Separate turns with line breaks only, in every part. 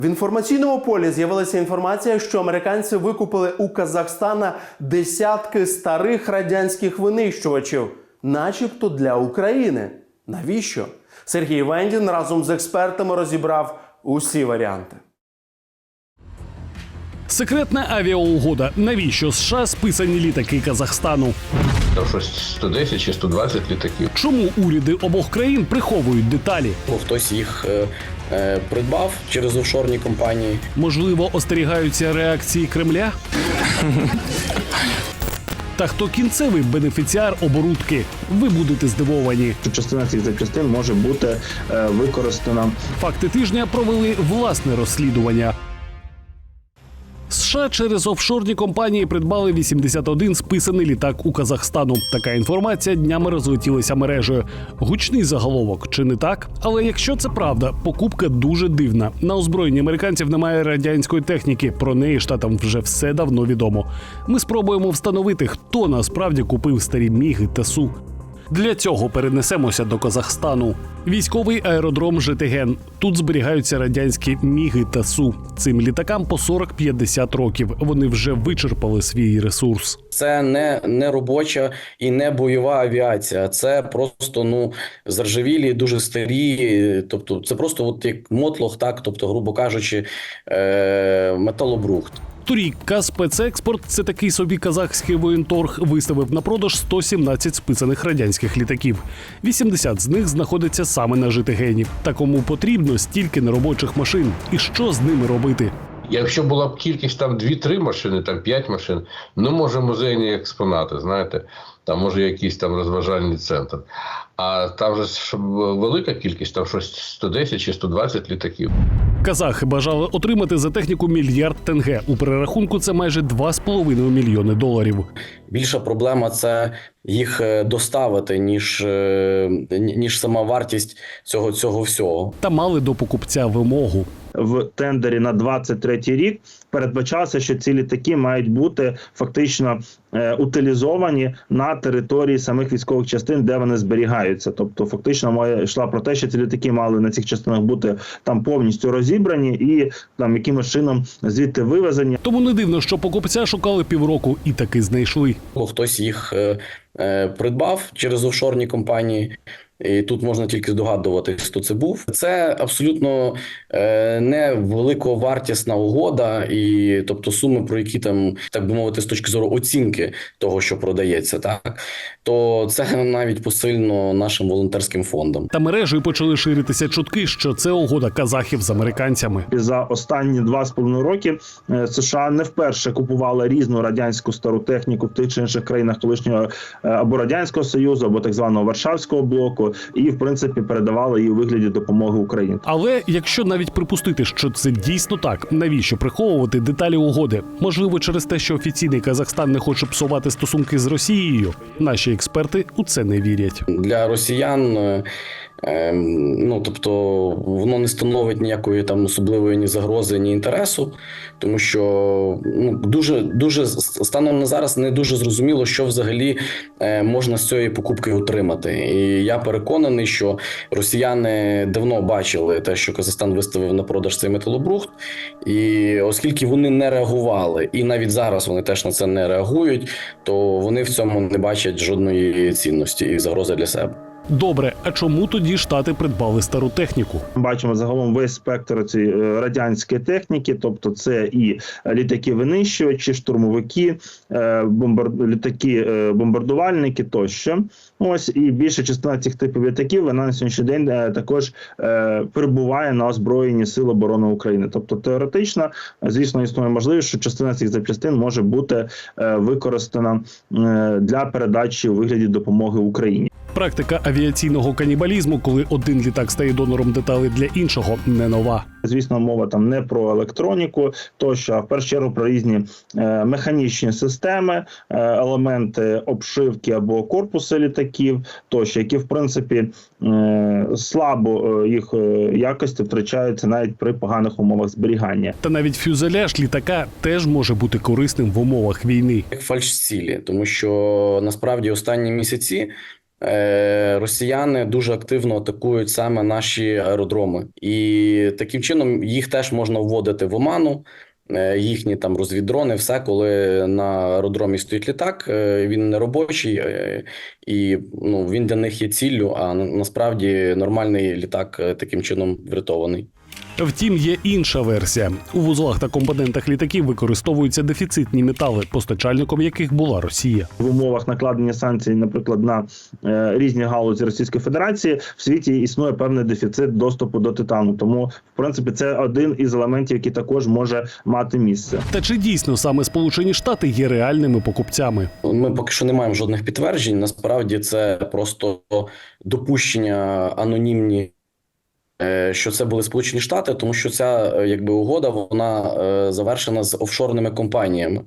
В інформаційному полі з'явилася інформація, що американці викупили у Казахстана десятки старих радянських винищувачів, начебто для України. Навіщо? Сергій Вендін разом з експертами розібрав усі варіанти.
Секретна авіаугода. Навіщо США списані літаки Казахстану?
Там щось 110 чи 120 літаків.
Чому уряди обох країн приховують деталі?
Хтось їх придбав через офшорні компанії.
Можливо, остерігаються реакції Кремля? Та хто кінцевий бенефіціар оборудки? Ви будете здивовані.
Частина цих запчастин може бути використана.
Факти тижня провели власне розслідування. США через офшорні компанії придбали 81 списаний літак у Казахстану. Така інформація днями розлетілася мережею. Гучний заголовок, чи не так? Але якщо це правда, покупка дуже дивна. На озброєнні американців немає радянської техніки. Про неї штатам вже все давно відомо. Ми спробуємо встановити, хто насправді купив старі Міги та Су. Для цього перенесемося до Казахстану. Військовий аеродром Житиген. Тут зберігаються радянські Міги та Су. Цим літакам по 40-50 років. Вони вже вичерпали свій ресурс.
Це не робоча і не бойова авіація. Це просто заржавілі, дуже старі. Тобто це просто от як мотлох, так, тобто, грубо кажучи, металобрухт.
Торік «Казспецекспорт» – це такий собі казахський воєнторг, виставив на продаж 117 списаних радянських літаків. 80 з них знаходяться саме на Житигені. Та кому потрібно стільки неробочих машин? І що з ними робити?
Якщо була б кількість там 2-3 машини, там 5 машин, може музейні експонати, знаєте, там може якийсь там розважальний центр. А там же велика кількість, там щось 110 чи 120 літаків.
Казахи бажали отримати за техніку мільярд тенге. У перерахунку це майже 2,5 мільйони доларів.
Більша проблема – це їх доставити, ніж сама вартість цього всього.
Та мали до покупця вимогу.
В тендері на 23-й рік передбачалося, що ці літаки мають бути фактично утилізовані на території самих військових частин, де вони зберігаються. Тобто фактично мова йшла про те, що ці літаки мали на цих частинах бути там повністю розібрані і там якимось чином звідти вивезені.
Тому не дивно, що покупця шукали півроку і таки знайшли.
Хтось їх придбав через офшорні компанії. І тут можна тільки здогадуватись, хто це був. Це абсолютно не великовартісна угода, і тобто суми, про які там, так би мовити, з точки зору оцінки того, що продається, так, то це навіть посильно нашим волонтерським фондам.
Та мережею почали ширитися чутки, що це угода казахів з американцями.
За останні 2,5 роки США не вперше купували різну радянську стару техніку в тих чи інших країнах колишнього або Радянського Союзу, або так званого Варшавського блоку, і, в принципі, передавали її у вигляді допомоги Україні.
Але якщо навіть припустити, що це дійсно так, навіщо приховувати деталі угоди? Можливо, через те, що офіційний Казахстан не хоче псувати стосунки з Росією? Наші експерти у це не вірять.
Для росіян тобто воно не становить ніякої там особливої ні загрози, ні інтересу, тому що дуже станом на зараз не дуже зрозуміло, що взагалі можна з цієї покупки отримати. І я переконаний, що росіяни давно бачили те, що Казахстан виставив на продаж цей металобрухт, і оскільки вони не реагували, і навіть зараз вони теж на це не реагують, то вони в цьому не бачать жодної цінності і загрози для себе.
Добре, а чому тоді Штати придбали стару техніку?
Бачимо загалом весь спектр цієї радянської техніки, тобто це і літаки-винищувачі, штурмовики, літаки-бомбардувальники тощо. Ось, і більша частина цих типів літаків, вона на сьогоднішній день також перебуває на озброєнні Сил оборони України. Тобто теоретично, звісно, існує можливість, що частина цих запчастин може бути використана для передачі у вигляді допомоги Україні.
Практика авіаційного канібалізму, коли один літак стає донором деталей для іншого, не нова.
Звісно, мова там не про електроніку, тощо, а в першу чергу про різні механічні системи, елементи обшивки або корпуси літаків, тощо, які, в принципі, слабо їх якості втрачаються навіть при поганих умовах зберігання.
Та навіть фюзеляж літака теж може бути корисним в умовах війни.
Як фальшцілі, тому що насправді останні місяці росіяни дуже активно атакують саме наші аеродроми. І таким чином їх теж можна вводити в оману. Їхні там розвіддрони, все, коли на аеродромі стоїть літак, він не робочий, і він для них є ціллю, а насправді нормальний літак таким чином врятований.
Втім, є інша версія. У вузлах та компонентах літаків використовуються дефіцитні метали, постачальником яких була Росія.
В умовах накладення санкцій, наприклад, на різні галузі Російської Федерації, в світі існує певний дефіцит доступу до титану. Тому, в принципі, це один із елементів, який також може мати місце.
Та чи дійсно саме Сполучені Штати є реальними покупцями?
Ми поки що не маємо жодних підтверджень. Насправді це просто допущення анонімні, що це були Сполучені Штати, тому що ця угода вона завершена з офшорними компаніями.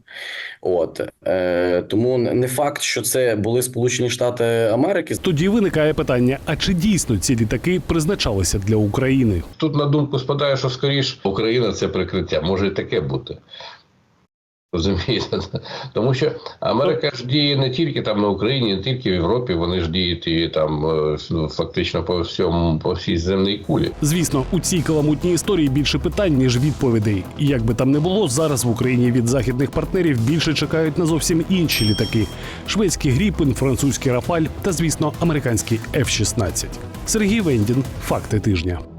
Тому не факт, що це були Сполучені Штати Америки.
Тоді виникає питання: а чи дійсно ці літаки призначалися для України?
Тут на думку спадає, що скоріш Україна – це прикриття. Може і таке бути. Розумієте? Тому що Америка ж діє не тільки там на Україні, не тільки в Європі, вони ж діють і там фактично по всій земній кулі.
Звісно, у цій каламутній історії більше питань, ніж відповідей. І як би там не було, зараз в Україні від західних партнерів більше чекають на зовсім інші літаки: шведський Гріпен, французький Рафаль та, звісно, американський F-16. Сергій Вендін. Факти тижня.